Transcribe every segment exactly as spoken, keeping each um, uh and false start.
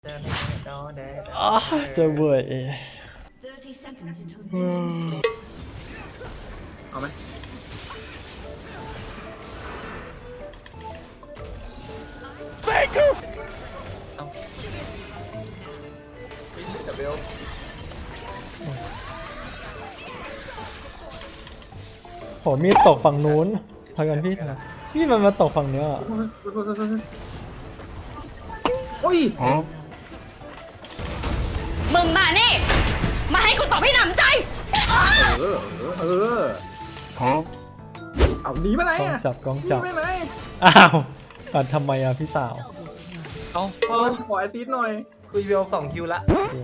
อ๋อจะเบื่อเอเอาไหมเอาเดี๋ยวเบลโหมีดตกฝั่งนู้นพากันพี่นะพี่มันมาตกฝั่งเนี้ยอ่ะโอ้ยมึงมานี่ มาให้กูตอบให้หนำใจเออเออเอาหนีมาไหนกองอ่ะจับกองหนีจับไปไหนอ้าวปัดทำไมอ่ะพี่สาวเอาขอขอแอซิดหน่อยคุยเวลสองคิวละ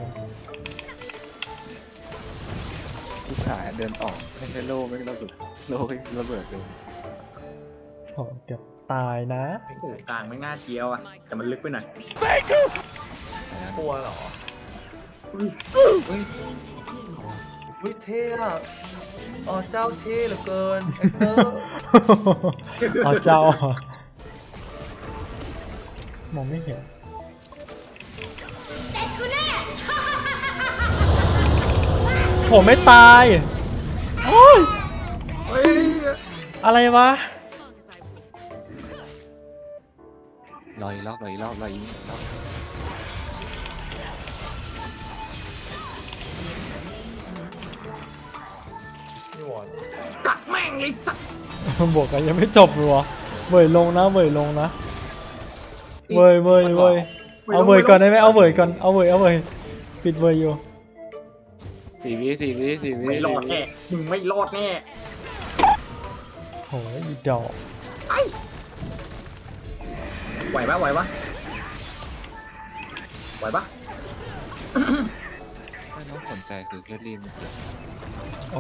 ผู้ขายเดินออกไม่ใช่โล่ไม่ใช่ระเบิดโล่ระเบิดเลยโหเกือบตายนะโอ้โหกลางไม่น่าเจียวอ่ะแต่มันลึกไปหน่อยกลัวเหรออุ้ยอุ้ยอุ้ยเท่อะอ๋อเจ้าเท่เหลือเกินเอ็กเตอร์อ๋อเจ้าเหรอมองไม่เห็นผมไม่ตายโอ้ยเฮ้ยอะไรวะรออีกรอบรออีกรอบรออีกรอบกัดแม่งเลยสัตว์บวกกันยังไม่จบเลยเว่ยลงนะเว่ยลงนะเว่ยเว่ยเว่ยเอาเว่ยก่อนได้ไหมเอาเว่ยก่อนเอาเว่ยเอาเว่ยปิดเว่ยอยู่สี่วิสี่วิสี่วิไม่รอดแน่มึงไม่รอดแน่โหอีดอกไอ้ไหวปะไหวปะไหวปะถ้าน้องสนใจคือแค่รีบมันเสียอ๋อ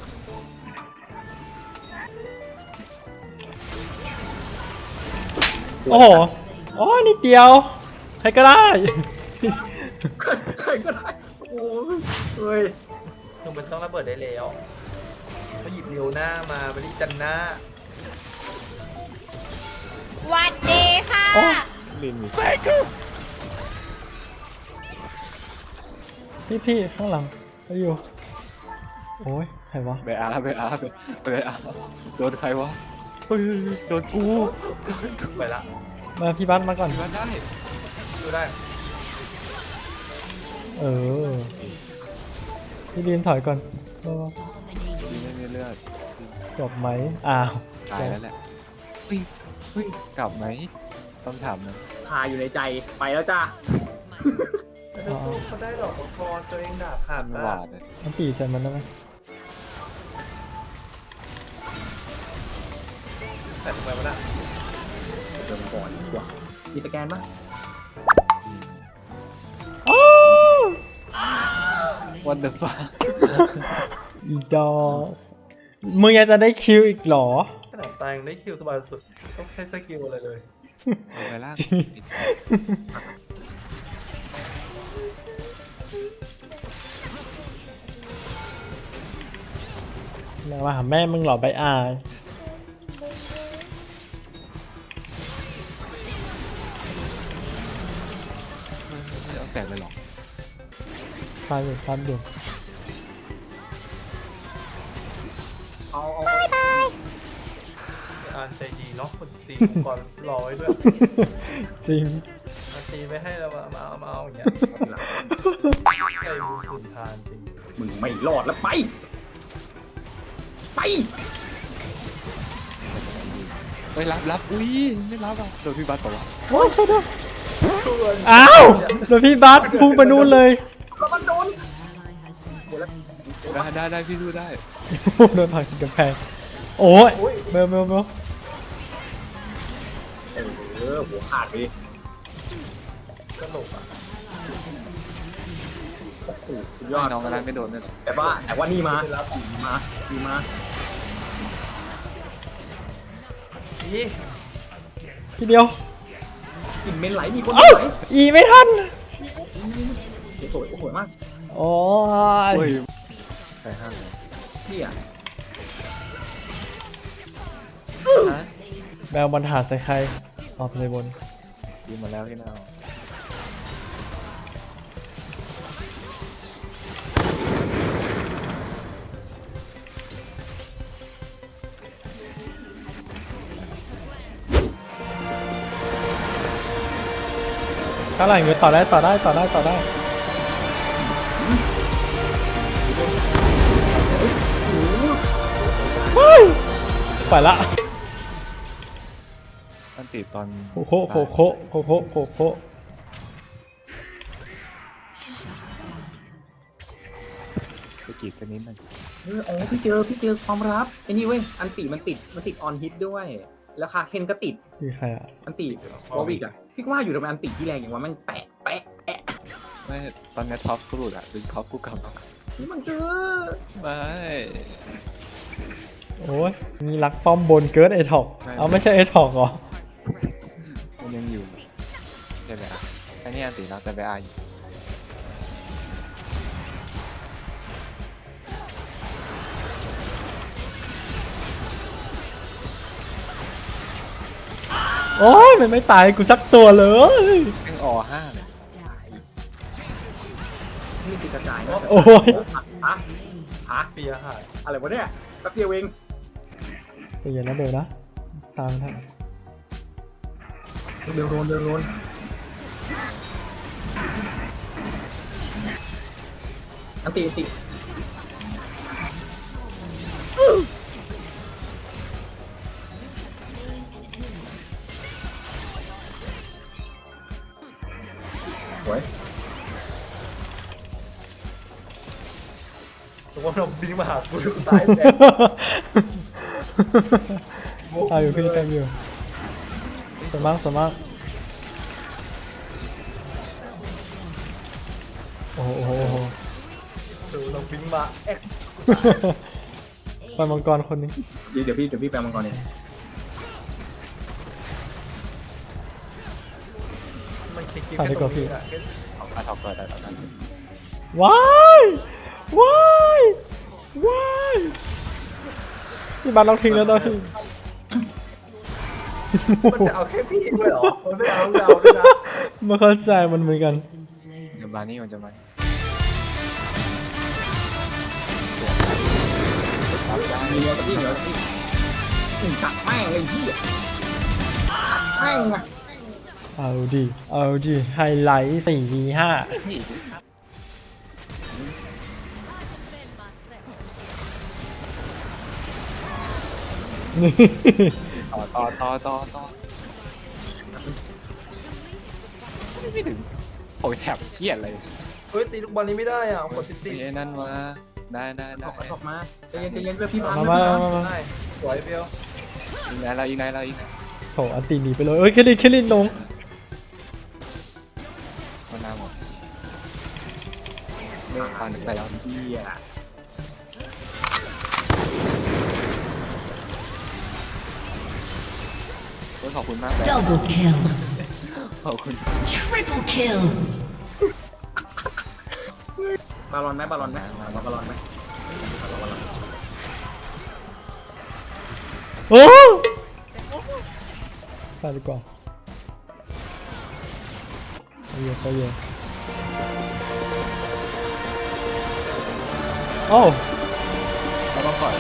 โอ้โหอ๋อนี่เดียวใครก็ได้ใครใครก็ได้โอ้ยเฮ้ยคือมันต้องระเบิดได้แล้วเขาหยิบเร็วหน้ามาไม่ได้จันหน้าหวัดดีค่ะโอ้ลินพี่พี่ข้างหลังไปอยู่โอ้ยใครวะเบอาเบอาเบอาโดนใครวะเฮ้ยโดนกูโดนกูไปละมาพี่บัสมาก่อนดูได้ดูได้เออพี่ลีนถอยก่อนมาจริงไม่มีเลือดจบไหมอ้าวตายแล้วแหละเฮ้ยเฮ้ยกลับไหมต้องถามนะพาอยู่ในใจไปแล้วจ้าอ๋อเขาได้ดอกมังกรตัวเองด่าผ่าน Ờ. ไม่หวาดเลยมันตีใส่มันได้ไหมแต่ทำไมวะน่ะเดินก่อนดีกว่ามีสแกนปะโอ้วันเดอร์ฟ้าอีดอกมึงยังจะได้คิวอีกเหรอขนาดตายยังได้คิวสบายสุดต้องใช้สกิลอะไรเลยไปล่างมามาหาแม่มึงเหรอใบอายไม่เอาแตกเลยหรอตายอยู่ตายอยู่เอาเอาอ่านใจดีเนาะคนตีมังกรรอไว้ด้วยจริงมาตีไปให้เรามาเอามาเอาอย่างเงี้ยใจบุญสุนทานจริงมึงไม่รอดแล้วไป ไปไปรับรับอุ้ยไม่รับอ่ะโดนพี่บัสบอกว่าโอ้ยช่วยด้วยอ้าวโดนพี่บัสพุ่งไปนู่นเลยแล้วมันโดนได้ได้ได้พี่ดูได้โดนผลักกำแพงโอ้ยเมลเมลเมลเออหัวขาดไปดิก็หลบอ่ะโอ้โหสุดยยออดดน้องกำลังไม่โดนเลยแต่ว่าแต่ว่านี่มามาดีมานี่ทีเดียวกลิ่นเมนไหลมีคนเอ้าไหลอีไม่ทันสวยสวยมากโอ้ยเฮ้ยใครห้ามเลยนี่อ่ะฮะแมวบอลหาใส่ใครออกเลยบนยิงมาแล้วที่หน้าข้างหลังอยู่ต่อได้ต่อได้ต่อได้ต่อได้ไปละอันติดตอนโคโคโคโคโคโคโคโคไปกรีดกันนิดนึงเอออ๋อพี่เจอพี่เจอความลับไอ้นี่เว้ยอันติมันติดมันติดออนฮิตด้วยแล้วคาเคนก็ติดคือใครอ่ะอันติวอวิกอะพี่ว่าอยู่ทำไมอันติที่แรงอย่างวะมันแปะแปะแปะไม่ตอนนี้ท็อปกูหลุดอ่ะดึงท็อปกูกลับมานี่มันเจอไม่โอ้ยมีรักป้อมบนเกิร์ดไอท็อกเอาไม่ใช่ไอท็อกเหรอมันยังอยู่ใช่ไหมอ่ะไอ้นี่อันติแล้วแต่ไปอาอยู่โอ้ยมันไม่ตายกูสักตัวเลยแม่งอห้าเลยนี่ติดกระจายนะโอ้ยฮะฮะเปียหายอะไรวะเนี่ยแป๊บเดียวเองเดี๋ยวนะเดี๋ยวนะตามทันเดินโดนเดินโดนอันติอันติโอ้ยตัวว่าเราบินมาหากูตายแน่ตายอยู่พี่ตายอยู่สมังสมังโอ้โหโอ้โหโอ้โหตัวเราบินมาเอ็กไปมังกรคนนี้เดี๋ยวเดี๋ยวพี่เดี๋ยวพี่แปลมังกรเองมันคิดถ่ายดีกว่าพี่เอาอาท็อปเปิดได้ตอนนั้นว้ายว้ายว้ายพี่บานเราทิ้งแล้วเราทิ้งมันจะเอาแค่พี่ด้วยเหรอมันไม่เอาเราด้วยนะไม่เข้าใจมันเหมือนกันเดี๋ยวบานี่มันจะมามีเนื้อกับพี่เหนือกับพี่อืมตักแม่งเลยพี่ตักแม่งอะเอาดิเอาดิไฮไลท์สี่วีห้า นี่ต่อต่อต่อต่อต่อไม่ถึงโอ้ยแถบเครียดเลยเฮ้ยตีลูกบอลนี้ไม่ได้อ่ะกดสิบตีไอ้นั่นมาได้ได้ถได้อกมาถอกมาใจเย็นใจเย็นเพื่อพี่พังมามามามาได้สวยเปียวยิงไหนเรายิงไหนเรายิงไหนโถอันตีหนีไปเลยเอ้ยแคลินแคลินลงคนหน้าหมดเรื่องฟันไปแล้วเหี้ยโอ้ยขอบคุณมากเลย Double kill. ขอบคุณ Triple kill. บอลลอนไหมบอลลอนไหมมาบอลลอนไหมโอ้ไปดีกว่าไปเยอะไปเยอะโอ้เราต้องปล่อย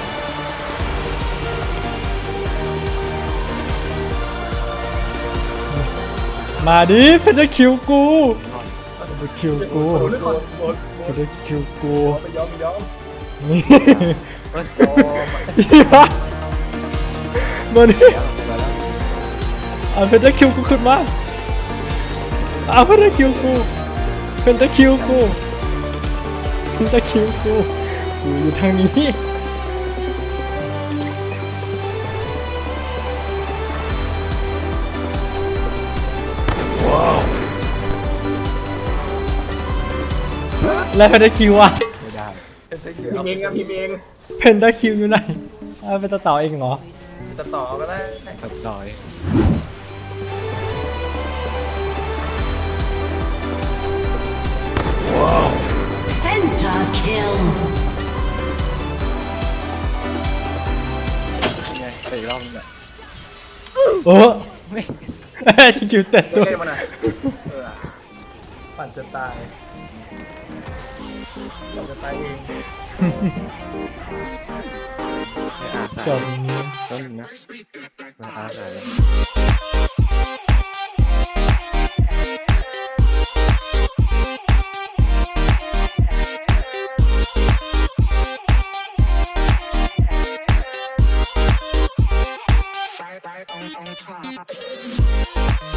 มาดิเพชรคิวกูเพชรคิวกูโดนโดนโดนเพชรคิวกูไม่ยอมไม่ยอมนี่โอ้มาดิเดี๋ยวมาแล้วเอาเพชรคิวกูขึ้นมาเอาเพชรคิวกูเพชรคิวกูเพชรคิวกูกูอยู่ทางนี้ แล้วเพนด้าคิวอ่ะไม่ได้พิมพ์เองครับพิมพ์เองเพนด้าคิวอยู่ไหนเอาเป็นตะเต่าเองเหรอจะต่อก็ได้ตัดต่อย Penta kill. ยังไงไปอีกรอบนึงอ่ะโอ้ไม่คิวเต็ดเล่ด้วยนมันอ่ะเออปั่นจะตายปั่นจะตายเองไม่อาสาจบนี้ต้นหนึ่งนะไม่อาสาเลย right on, on top.